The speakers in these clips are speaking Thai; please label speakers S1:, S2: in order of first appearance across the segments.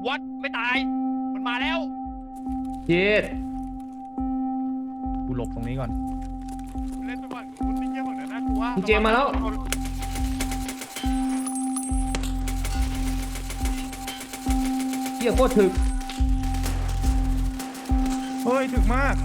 S1: วัดไม่ตายมันมาแล้ว
S2: เย็ด
S3: กูหลบตรงนี้ก่อน
S1: เล่นไปก่อนคุณไม่เยี่ยมหรอกนะน่ากลัว
S2: คุณเจมมาแล้วเฮียโคตรถึก
S3: เฮ้ยถึกมาก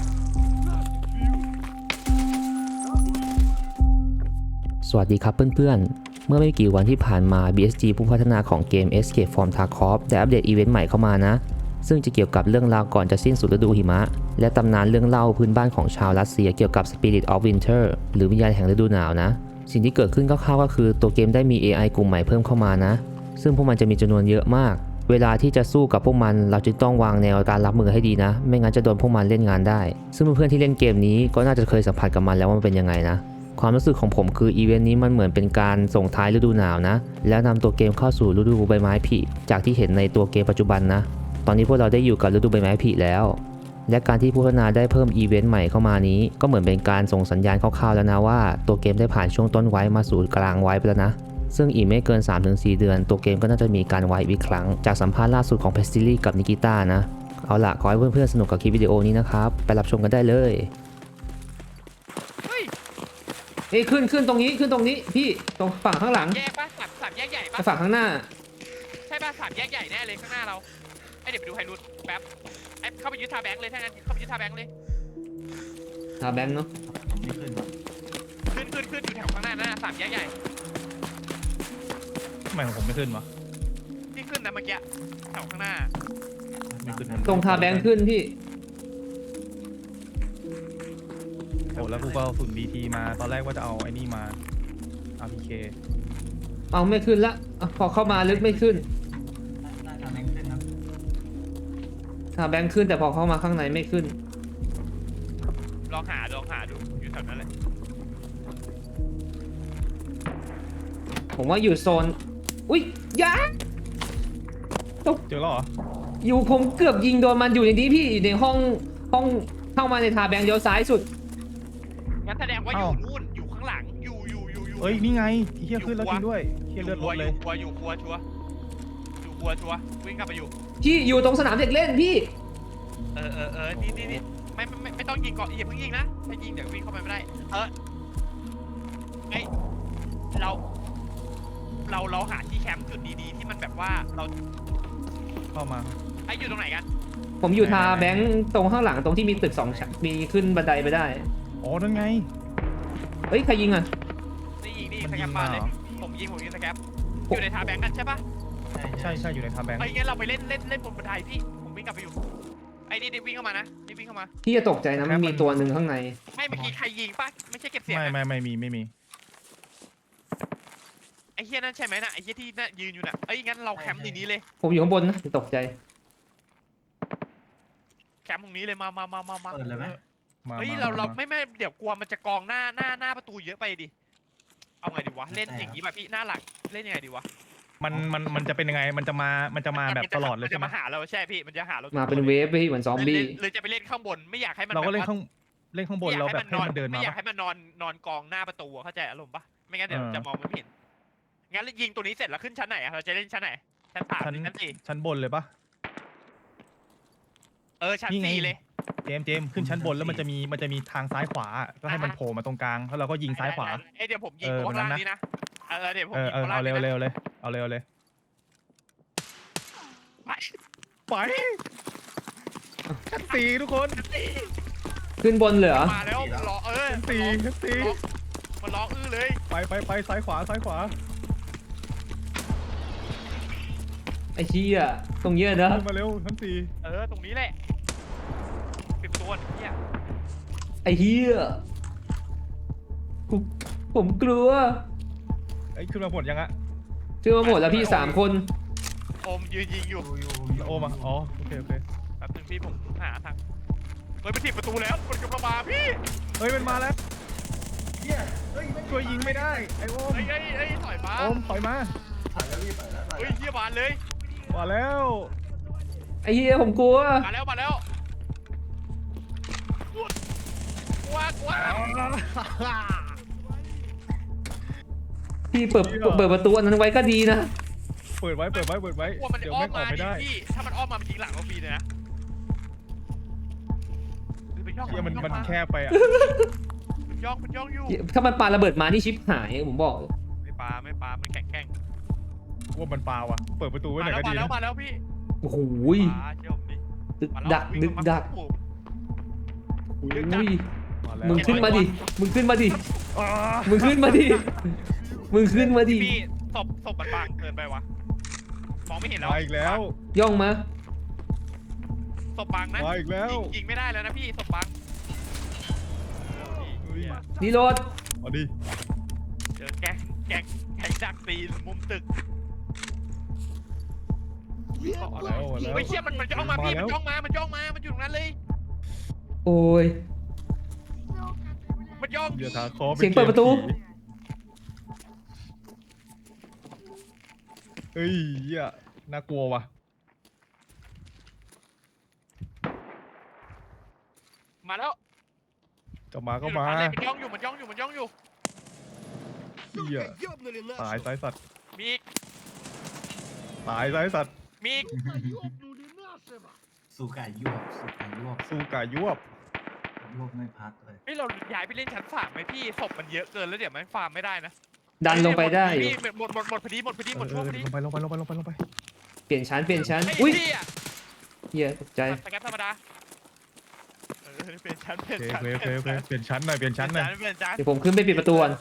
S4: สวัสดีครับเพื่อนๆเมื่อไม่กี่วันที่ผ่านมา BSG ผู้พัฒนาของเกม Escape from Tarkov ได้อัปเดตอีเวนต์ใหม่เข้ามานะซึ่งจะเกี่ยวกับเรื่องราวก่อนจะสิ้นสุดฤดูหิมะและตำนานเรื่องเล่าพื้นบ้านของชาวรัสเซียเกี่ยวกับ Spirit of Winter หรือวิญญาณแห่งฤดูหนาวนะสิ่งที่เกิดขึ้นคร่าวๆก็คือตัวเกมได้มี AI กลุ่มใหม่เพิ่มเข้ามานะซึ่งพวกมันจะมีจำนวนเยอะมากเวลาที่จะสู้กับพวกมันเราจึงต้องวางแนวการรับมือให้ดีนะไม่งั้นจะโดนพวกมันเล่นงานได้ซึ่งเพื่อนๆที่เล่นเกมนี้ก็น่าจะเคยสัมผัสกับมันแล้วว่ามันเป็นยังไงนะความรู้สึกของผมคืออีเวนต์นี้มันเหมือนเป็นการส่งท้ายฤดูหนาวนะแล้วนำตัวเกมเข้าสู่ฤดูใบไม้ผลิจากที่เห็นในตัวเกมปัจจุบันนะตอนนี้พวกเราได้อยู่กับฤดูใบไม้ผลิแล้วและการที่ผู้พัฒนาได้เพิ่มอีเวนต์ใหม่เข้ามานี้ก็เหมือนเป็นการส่งสัญญาณคร่าวๆแล้วนะว่าตัวเกมได้ผ่านช่วงต้นไว้มาสู่กลางไว้ไปแล้วนะซึ่งอีกไม่เกิน 3-4 เดือนตัวเกมก็น่าจะมีการไว้อีกครั้งจากสัมภาษณ์ล่าสุดของเพสซิลี่กับนิกิต้านะเอาล่ะขอให้เพื่อนๆสนุกกับคลิปวิดีโอนี้นะครับไปรับชมกันได้เลย
S2: เอ้ยขึ้นตรงนี้พี่ตรงฝั่งข้างหลัง
S1: แยกป่ะสามแยกใหญ่ป่ะ
S2: ฝั่งข้างหน้า
S1: ใช่ป่ะสามแยกใหญ่แน่เลยข้างหน้าเราไอเดี๋ยวไปดูไฮรูทแป๊บไอเข้าไปยึดทาแบงค์เลยถ้างั้นเข้าไปยึดทาแบงค์เลย
S2: ทาแบงค์เนาะ
S1: ขึ้นอยู่แถวข้างหน้านะสามแยกใหญ่
S3: ทำไมของผมไม่ขึ้นวะ
S1: ที่ขึ้นนะเมื่อกี้แถวข้างหน้า
S3: ไม่ขึ้น
S2: ตรงทาแบงค์ขึ้นพี่
S3: โอ้แล้วกูก็เอาฝุ่น BT มาตอนแรกว่าจะเอาไอ้นี่มา RPK
S2: เอาไม่ขึ้นละพอเข้ามาลึกไม่ขึ้นทาแบงค์ขึ้นแต่พอเข้ามาข้างในไม่ขึ้น
S1: ลองหาดูอยู่แถวนั้นเลย
S2: ผมว่าอยู่โซนอุ้ยยาตก
S3: เจอแล้วเหรอ
S2: อยู่ผมเกือบยิงโดนมันอยู่ในนี้พี่อยู่ในห้องเข้ามาในทาแบงค์เลี้ยวซ้ายสุด
S1: งั้นแสดงว่าอยู่นู่นอยู่ข้างหลังอยู่
S3: เอ้ยนี่ไงเฮียขึ้นแล้วจริงด้วยเฮียเลือดลดเลย
S1: อยู่ครัวชัววิ่งกลับไปอยู่
S2: พี่อยู่ตรงสนามเด็กเล่นพี่
S1: นี่ไม่ต้องยิงก่อนอย่าเพิ่งยิงนะถ้ายิงเดี๋ยววิ่งเข้าไปไม่ได้ไอเราหาที่แคมป์จุดดีๆที่มันแบบว่าเรา
S3: เข้ามา
S1: ไออยู่ตรงไหนกัน
S2: ผมอยู่ทาแบงค์ตรงข้างหลังตรงที่มีตึก2 ชั้นมีขึ้นบันไดไปได้
S3: อ๋อนั่นไง
S2: เฮ้ยใครยิงอ่ะ
S1: นี่สแกปมาเลยผมยิงสแกปอยู่ในทาแบงค์กันใช่ปะ
S3: ใช่อยู่ในทาแบงค์
S1: ไอ้งั้นเราไปเล่นบนบันไดพี่ผมวิ่งกลับไปอยู่ไอ้นี่วิ่งเข้ามานะนี่วิ่งเข้ามา
S2: พี่จะตกใจนะมันมีตัวหนึ่งข้างใน
S1: ไม่เมื่อกี้ใครยิงปะไม่ใช่เก็บเสียง
S3: ไม่มี
S1: ไอ้เฮียนั่นใช่ไหมนะไอ้เฮียที่น่ะยืนอยู่น่ะไอ้งั้นเราแคมป์ในนี้เลย
S2: ผมอยู่ข้างบนนะตกใจ
S1: แคมป์ตรงนี้เลยมา
S3: เปิดเลยไหม
S1: เฮ้ยเราไม่เดี๋ยวกลัวมันจะกองหน้าประตูเยอะไปดิเอาไงดีวะเล่นอย่างนี้ป่ะพี่หน้าหลักเล่นยังไงดีวะ
S3: มันจะเป็นยังไงมันจะมาแบบตลอดเลยใช่ไหม
S1: มันจะมาหาเราใช่พี่มันจะหาเรา
S2: มาเป็นเวฟพี่เหมือนซอมบี้
S1: เลยจะไปเล่นข้างบนไม่อยากให้มัน
S3: เราก็เล่นข้างบนเราแบบให้มันเดินมา
S1: ไม่อยากให้มันนอนกองหน้าประตูเข้าใจอารมณ์ปะไม่งั้นเดี๋ยวจะมองไม่เห็นงั้นยิงตัวนี้เสร็จแล้วขึ้นชั้นไหนเราจะเล่นชั้นไหนชั้น3ชั้น4
S3: ชั้นบนเลยปะ
S1: ชั้น4เลย
S3: เจมขึ้นชั้นบนแล้วมันจะมีทางซ้ายขวาก็ให้มันโผล่มาตรงกลางแล้วเราก็ยิงซ้ายขวา
S1: เดี๋ยวผมยิงตัวล่างนี้นะเดี๋ยวผม
S3: เอาเร็วเลยเอาเร็วเลยไปชั้น4ทุกคน
S2: ขึ้นบนเหรอ
S1: มาแล้วรอ
S3: ชั้น4
S1: มันร้องเลย
S3: ไปซ้ายขวา
S2: ไอ้เชี่ยตรงเยอะนะ
S3: มาเร็วชั้น
S1: 4ตรงนี้แหละ10 ตัวเนี่ย
S2: ไอ้เหี้ยผมกลัว
S3: ไอ้ขึ้นมาหมดยังอะ
S2: ขึ้นมาหมดแล้วพี่3 คน
S1: โอมยืนยิงอยู่
S3: โอมอ๋อโอเค
S1: แป๊บนึงพี่ผมหาทางไปปิดประตูแล้วมันกำลังมาพี่
S3: มันมาแล้วช่วยยิงไม่ได้ไอ้โอม
S1: ถอยมา
S3: โอมถอยมา
S1: เฮียบานเลย
S3: มาแล้ว
S2: ไอ้เหี้ยผมกลัว
S1: มาแล้วกลัว
S2: พี่เปิดประตูอันนั้นไว้ก็ดีนะ
S3: เปิดไว้
S1: กลัวมัน
S3: เดี๋ยว
S1: อ้อ
S3: แม่
S1: ม
S3: งออ
S1: มาก
S3: ไม่
S1: ดิ
S3: ได้
S1: พี่ถ้ามันอ้อมมามันยิงหลังเราฟรีเลยนะมันย่อง
S3: เฮียมันแคบไปอ่ะ
S1: มันย่องอยู่
S2: ถ้ามันปาระเบิดมานี่ชิปหายผมบอก
S1: ไม่ปามันแข็ง
S3: ว่ามันปลาว่ะเปิดประตูไว้หน่อยก็ดีนะ
S1: มาแล้วพี่
S2: โอ้โห
S1: ปาเชื่อผมดิ
S2: ดึก
S1: มาแล้ว
S2: ดัก
S1: วิ่ง
S2: ดึก
S1: มา
S2: ดัก
S1: โอ้โห
S2: อุ้
S1: ดึกดัก
S2: ย
S3: มาแล้ว
S2: มึงขึ้นมาดิมึงขึ้นมาดิ
S3: อ่า
S2: มึงขึ้นมาดิมึงขึ้นมาดิ
S1: พี่ศพมันบางเกินไปวะมองไม่เห็นแล้ว
S3: มาอีกแล้ว
S2: ย่องมา
S1: ศพบางนะ
S3: มาอีกแล้ว
S1: ยิงไม่ได้แล้วนะพี่ศพบาง
S3: เฮ้ย
S2: นี่รถ
S3: เอาดิ
S1: เจอแก๊งดักตีมุมตึก
S3: มาแล้ว
S1: ไม่เชี่ยมันย่องมาพี่มันย่องมามันอยู่ตรงนั้นเลย
S2: โอ้ย
S1: มันย่อง
S3: เดี๋ยวทาคอ
S2: เสียงเปิดประตู
S3: เฮ้ยเหี้ยน่ากลัวว่ะ
S1: มาแล้ว
S3: จะมาก็มา
S1: มันย่องอยู่
S3: เหี้ยตายสายสัตว์
S1: มีอีก
S3: ตายสายสัตว์
S1: มีอีก
S5: สู้กายยวบ
S3: สู้กายวบ
S5: ยวบไม่พักเลย
S1: เฮ้ยเราย้ายไปเล่นชั้นสามไหมพี่ศพมันเยอะเกินแล้วเดี๋ยวมันฟาร์มไม่ได้นะ
S2: ดันลงไปได้อยู่
S1: พี่หมดพอดีหมดช่วงพอดี
S3: ลงไป
S2: เปลี่ยนชั้น
S1: ไอ้
S2: อุ้ย
S1: พี่อะ
S2: เฮียตกใจ
S1: สแกปธรรมดาเปลี่ยนชั้น
S3: โอเคเปลี่ยนชั้นหน่อย
S1: เปลี่ยนชั้น
S2: เดี๋ยวผมขึ้นไปปิดประตูก่อน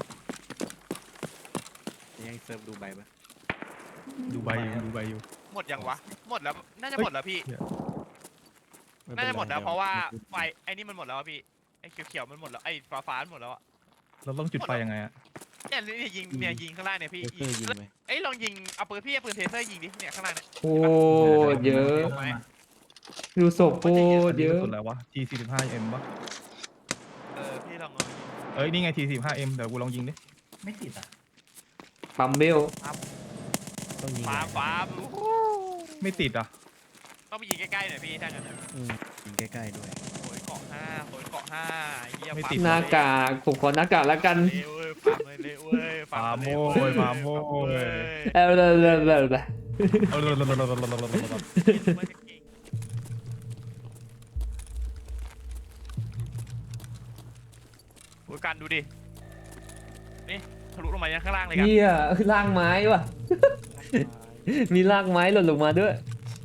S6: ยังเซิร์ฟดูใบปะ
S3: ดูใบอยู่
S1: หมดยังวะหมดแล้วน่าจะหมดแล้วพี่
S6: ไเป็
S1: น่าจะหมดแล้ว
S6: ไ
S1: เพราะว่าไฟไอ้นี่มันหมดแล้วอะพี่ไอ้เขียวๆมันหมดแล้วไอ้ฟ้ามันหมดแล้วอะ
S3: เราต้องจุดไฟยังไงอะ
S1: เนี่ยยิงข้างล่างเนี่ยพี่
S6: เทเซอร์ยิงไหม
S1: เอ้ยลองยิงเอาปืนพี่เอาปืนเทเซอร์ยิงดิเนี่ยข้างล่างเนี่ย
S2: โอ้เยอะ ดูศพโคตรเยอะ
S3: สุดแล้ววะ T45M ปะ
S1: พี่ลอง
S3: เอ้ยนี่ไง T45M เดี๋ยวกูลองยิงดิ
S5: ไม่ติดอ่ะ
S2: ปั๊มเบล
S6: ต้องยิง
S1: ฟาร์ม
S3: ไม่ติดอ่ะ
S1: ต้องไปยิงใกล้ๆหน่อยพี่ถ้างั้น
S6: ยิงใกล้ๆด้วย
S1: โอยเกาะห้าเยี่ยม
S2: หน้ากากผมขอหน้ากากแล้วกัน
S1: เร็วเว้ยฟาร์มเลยเว้ย
S3: ฟาร์มโว้ย
S2: เออเลย
S1: โอ้ยกันดูดินี่ทะลุลงมายังข้างล่างเลยกัน
S2: เฮียลากไม้ว่ะ มีลากไม้หล่นลงมาด้วย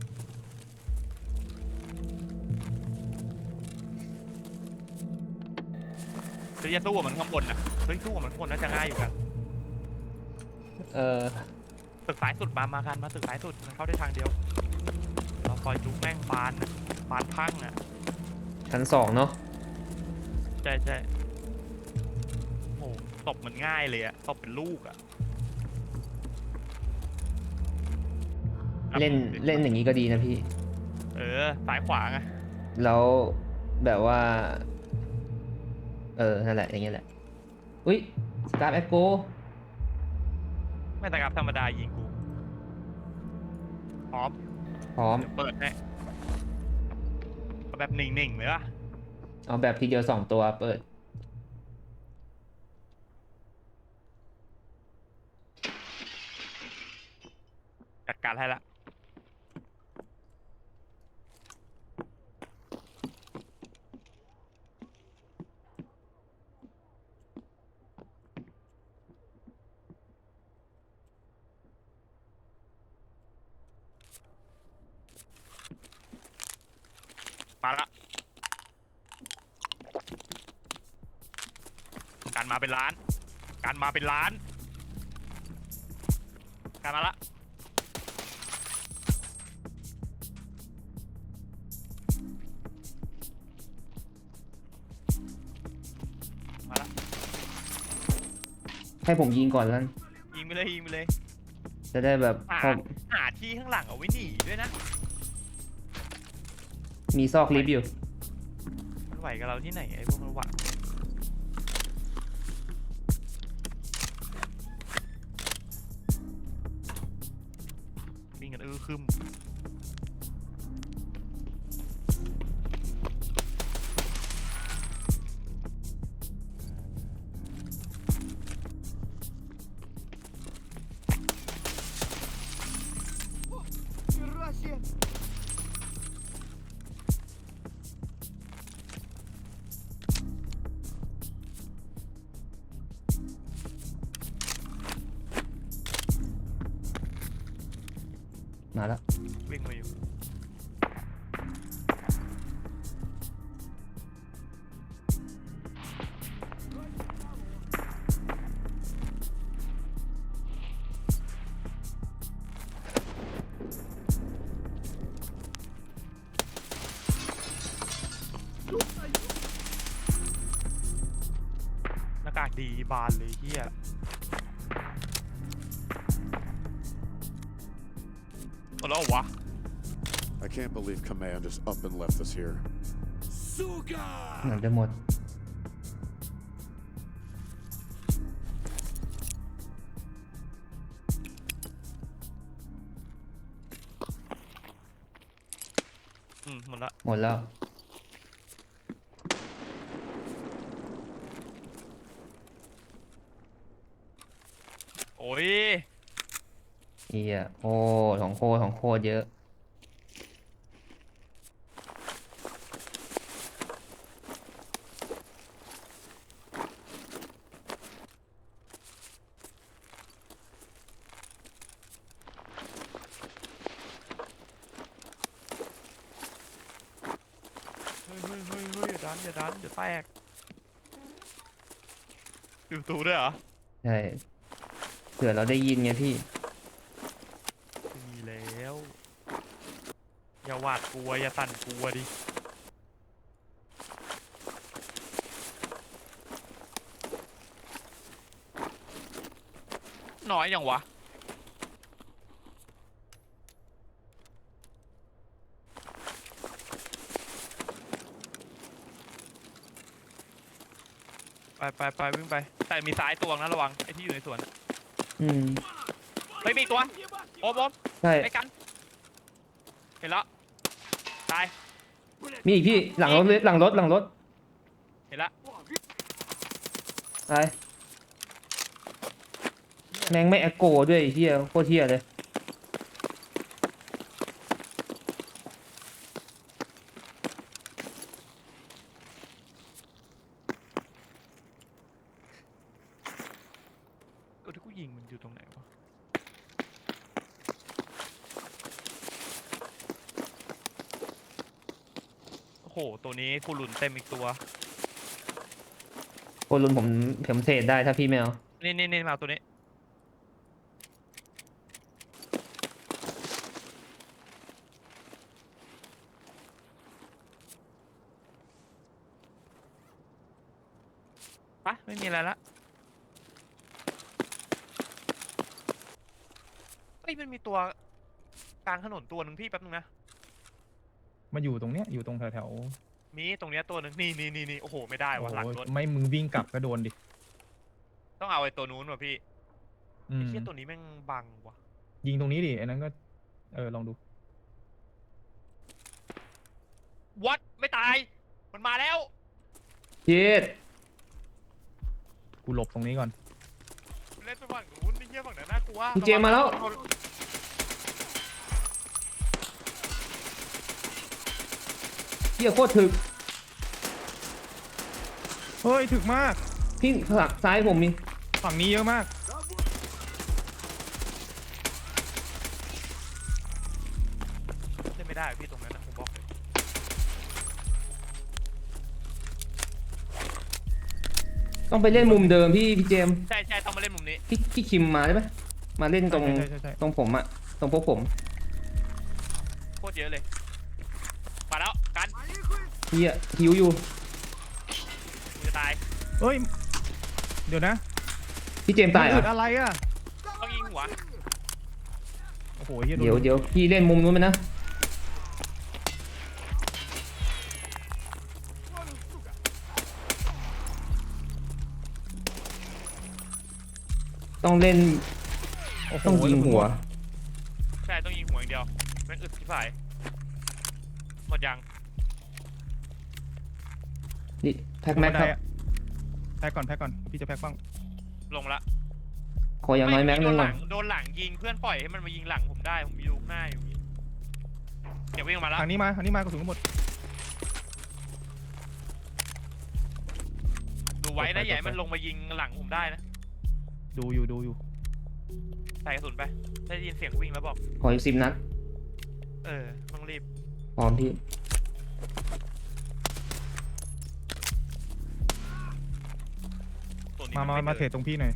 S1: จะสู้กับมันข้างบนนะเฮ้ยสู้กับมันข้างบนน่าจะง่ายอยู่กัน
S2: เออ
S1: ตึกซ้ายสุดมากันมาตึกซ้ายสุดมันเข้าได้ทางเดียวเราคอยจุกแม่งบานพังอ่ะ
S2: ชั้น2เนาะ
S1: ใช่โอ้ตบมันง่ายเลยอะตบเป็นลูกอะ
S2: เล่นอย่างนี้ก็ดีนะพี่
S1: ซ้ายขวาไง
S2: แล้วแบบว่า นั่นแหละอย่างเงี้ยแหละ อุ้ยสกาฟแอคโก
S1: ไม่แต่กับธรรมดายิงกูพร้อม
S2: พร้อม
S1: เดี๋ยวเปิดให้เอาแบบนิ่งๆเลยป่ะ
S2: เอาแบบทีเดียว2ตัวเปิด
S1: จัดการให้ละมาละการมาเป็นล้านการมาละมาละ
S2: ให้ผมยิงก่อนแล้ว
S1: ยิงไปเลย
S2: จะได้แบบ
S1: หาที่ข้างหลังเอาไว้หนีด้วยนะ
S2: มีซอกลิฟต์อยู่
S1: มันไหวกับเราที่ไหนไอ้พวกมันหวังวิ่งกันคึม
S2: มาแล้ว
S1: วิ่งมาอยู่หน้ากากดีบานเลยเฮียหมดแล้วเหรอวะ
S7: I can't believe Command just up and left us here.
S2: เหมือนจะหมด
S1: หมดละ
S2: หมดแล้ว
S1: โอ้ย
S2: เอียโอ้ของโคตรเยอะ
S1: เฮ้ยอย่าดันเดี๋ยวแตกอยู่ประตูด้วยเหรอ
S2: ใช่เผื่อเราได้ยินไงพี่
S1: ไม่มีแล้วอย่าหวาดกลัวอย่าสั่นกลัวดิน้อยยังวะไปวิ่งไปแต่มีซ้ายตัวนะระวังไอ้ที่อยู่ในสวนอะ
S2: อืม
S1: เฮ้ยมีอีกตัวโอม
S2: ใช่
S1: ไปกันเห็นแล้วตาย
S2: มีอีกพี่หลังรถเลยหลังรถ
S1: เห็นแล้ว
S2: ไปแม่งไม่แอคโกด้วยไอ้เฮียโคตรเฮียเลย
S1: ตัวที่กูยิงมันอยู่ตรงไหนวะโอ้โหตัวนี้กูหลุนเต็มอีกตัว
S2: โคลุนผมเทรดได้ถ้าพี่ไม่เอา
S1: นี่มาเอาตัวนี้ปะไม่มีอะไรละเอ้ยมันมีตัวกลางถนนตัวหนึ่งพี่แป๊บนึงนะ
S3: มาอยู่ตรงเนี้ยอยู่ตรงแถว
S1: มีตรงเนี้ยตัวหนึ่งนี่โอ้โหไม่ได้
S3: ๆโอ้
S1: วะ
S3: โห
S1: หลังรถ
S3: ไม่มึงวิ่งกลับก็โดนดิ
S1: ต้องเอาไอ้ตัวนู้นว่ะพี่
S3: อื
S1: ไอ้
S3: ม
S1: เชี่ยตัวนี้แม่งบังว่ะ
S3: ยิงตรงนี้ดิไอ้นั้นก็ลองดู
S1: วัดไม่ตายมันมาแล้ว
S2: เจ็ด
S3: กูหลบตรงนี้ก่อน
S1: เล่นไปฝั่งนู้นไอ้เหี้ยฝั่งนั้นน่ากลัว
S2: พี่เจมมาแล้วเฮียโคตรถึก
S3: เฮ้ยถึกมาก
S2: พี่หลังซ้ายผมมี
S3: ฝั่งนี้เยอะมาก
S1: เล่นไม่ได้พี่ตรงนั้นนะผมบอกเลย
S2: ต้องไปเล่นมุมเดิมพี่เจมส์
S1: ใช่ต้องมาเล่นมุมนี้
S2: พี่คิมมาได้ไหมมาเล่นตรง
S3: ใช่
S2: ตรงผมอะตรงพวกผม
S1: โคตรเยอะเลยมาแล้วกัน
S2: เฮียหิวอยู่
S1: กูจะตาย
S3: เฮ้ยเดี๋ยวนะ
S2: พี่เจมส์ตายเหร
S3: มัน
S2: อ่ะ
S3: อะไรอ่ะ
S1: ต้องยิงหัว
S3: โอ้โหเหี้ย
S2: เดี๋ยวพี่เล่นมุมนู้นไหมนะต้องเล่น
S3: โอ้โห
S2: ต้องยิงหัว
S1: ใช่ต้องยิงหัวอย่างเดียวแม่งอึดที่ฝ่ายหมดยัง
S2: นี่แพ็คแม็กครับ
S3: แพ็คก่อนพี่จะแพ็คบ้าง
S1: ลงละ
S2: ขออย่างน้อยแม็กนึง
S1: โดนห
S2: ก่อ
S1: ลั
S2: น
S1: โดนหลังยิงเพื่อนปล่อยให้มันมายิงหลังผมได้ผมมีลูกหน้าอยู่นี่วิ่งมาแล้ว
S3: ทางนี้มากระสุนก็หมด
S1: ดูไว้นะอย่าให้มันลงมายิงหลังผมได้นะ
S3: ดูอยู่
S1: ใส่กระสุนไปได้ยินเสียงวิ่งแล้วบอก
S2: ขออีก10 นัด
S1: ต้องรีบ
S2: พร้อมพี่
S1: ตัวนี้
S3: มา
S1: ไ
S3: มาเทรดตรงพี่หน่อย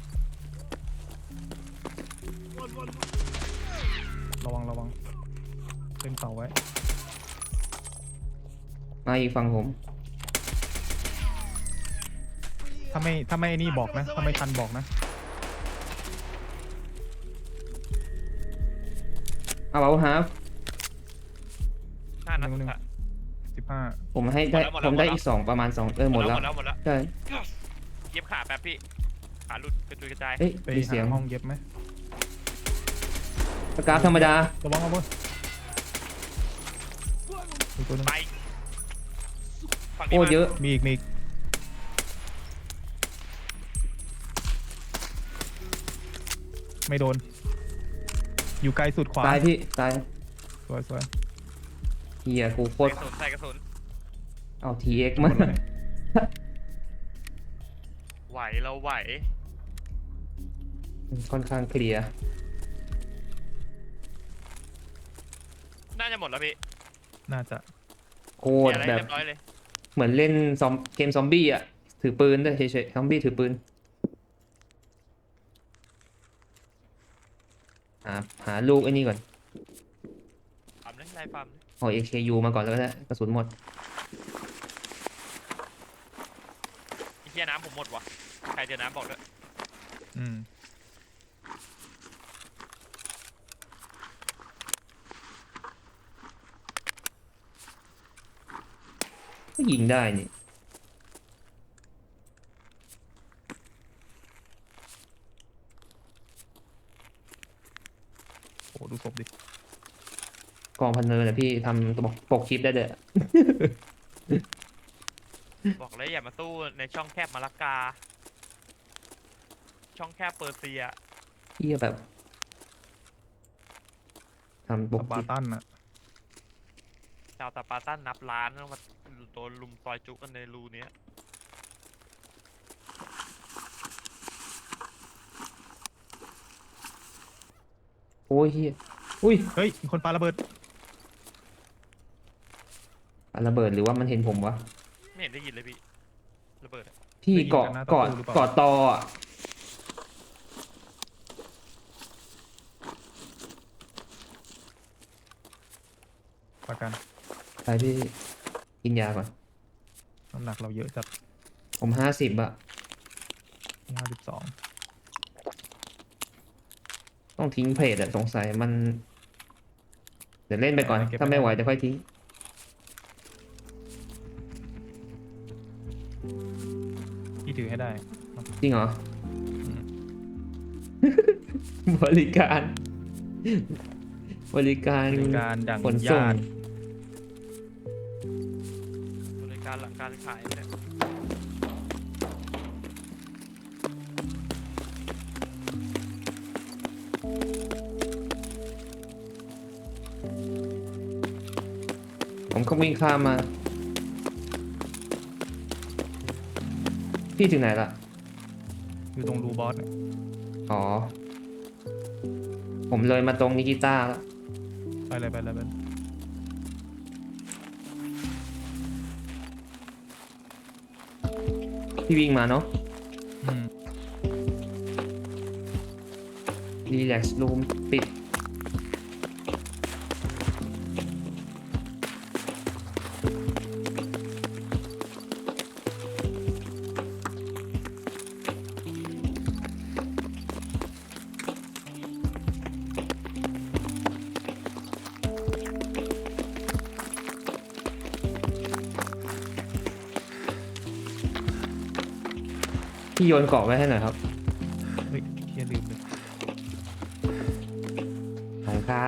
S3: ระวังเต็มเสาไว้
S2: มาอีกฝั่งผม
S3: ถ้าไม่ไอ้นี่บอกนะถ้าไม่ทันบอกนะ
S2: เอาฮาฟ
S1: 5 นัด
S3: หนึ่ง
S1: อะ
S3: 15
S2: ผมให้ได้
S1: หมดแล้ว
S2: ผมได้อีก2ประมาณ2หมดแล้ว
S1: หมดแล้ว
S2: ใช่
S1: เย็บขาแป๊บพี่ขาหลุดกระจุยกระจาย
S2: เอ้ย
S3: ไป
S2: มีเสียง
S3: หาห้องเย็บไหม
S2: สกราฟธรรมดา
S3: ระวังเอาบนมีตัวหนึง
S1: ไปฝั่ง
S2: โอ้
S1: นี้มา
S2: เยอะ
S3: มีอีกไม่โดน อยู่ไกลสุดขวา
S2: ตายพี่ตาย
S3: สวย
S2: เฮียกูโคตร
S1: ใส่กระสุน
S2: เอา TX มา
S1: ไหวเราไหว
S2: ค่อนข้างเคลียร์
S1: น่าจะหมดแล้วพี่
S3: น่าจะ
S2: โคตร
S1: อะไร
S2: แบบ
S1: เรียบร้อยเลย
S2: เหมือนเล่นเกมซอมบี้อ่ะ ถือปืนด้วยเฉยๆซอมบี้ถือปืนหาลูกไอ้นี่ก่อน
S1: ฟาร์มเลยไล่ฟาร์มเลย
S2: เอา AKU มาก่อนแล้วก็ได้กระสุนหมด
S1: ไอ้เหี้ยน้ำผมหมดว่ะใครเจอน้ำบอกด้วย
S3: อืม
S2: ก็ยิงได้นี่
S3: โอ้ดูศพดิ
S2: กองพันเนอร์นะพี่ทำปกคลิปได้เลยอะ
S1: บอกเลยอย่ามาสู้ในช่องแคบมาลากา ช่องแคบเปอร์เซีย
S2: พี่แบบทำปก
S3: ส
S2: ค
S3: ปา
S2: ลิป
S3: ร์ตันอะ
S1: ชาวตาปาตันนับล้านแล้วมาโดนลุมซอยจุกันในรูเนี้ย
S2: โอ้ยเฮียอุ้ย
S3: เฮ้ยมีคนปาระเบิด
S2: อะระเบิดหรือว่ามันเห็นผมวะ
S1: ไม่เห็นได้ยินเลยพี่ระเบิดอะ
S2: พี่เกาะตออ่ะ
S3: ประกัน
S2: ไปพี่กินยาก่อน
S3: น้ำหนักเราเยอะจัด
S2: ผม50อะ
S3: 52
S2: ต้องทิ้งเพจอะสงสัยมัน เดี๋ยวเล่นไปก่อน ถ้าไม่ไหวจะค่อยทิ้ง
S3: พี่ถือให้ได้
S2: จริงเหรอ
S3: อืม
S2: บริการ บริการ
S3: บริการดัง
S2: ขนส่ง
S3: ญาติ
S1: บริการหลังการขายเนี่ย
S2: ผมก็วิ่งข้ามมา พี่ถึงไหนละ
S3: อยู่ตรงรูบอสเนี่ย
S2: อ๋อ ผมเลยมาตรงนิกิต้าแล้ว
S3: ไปเลย
S2: พี่วิ่งมาเนาะ
S3: อืม
S2: รีแลกซ์รูมปิด พี่โยนเกาะไว้ให้หน่อยครับ
S3: เฮ้ยเฮียลืมเลย
S2: ขอบคุณครับ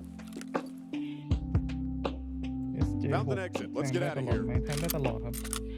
S3: SJ
S7: Found an exit. Let's get
S3: แทง
S7: out of
S3: ได้ตลอด
S7: here.
S3: ไหมแทงได้ตลอดครับ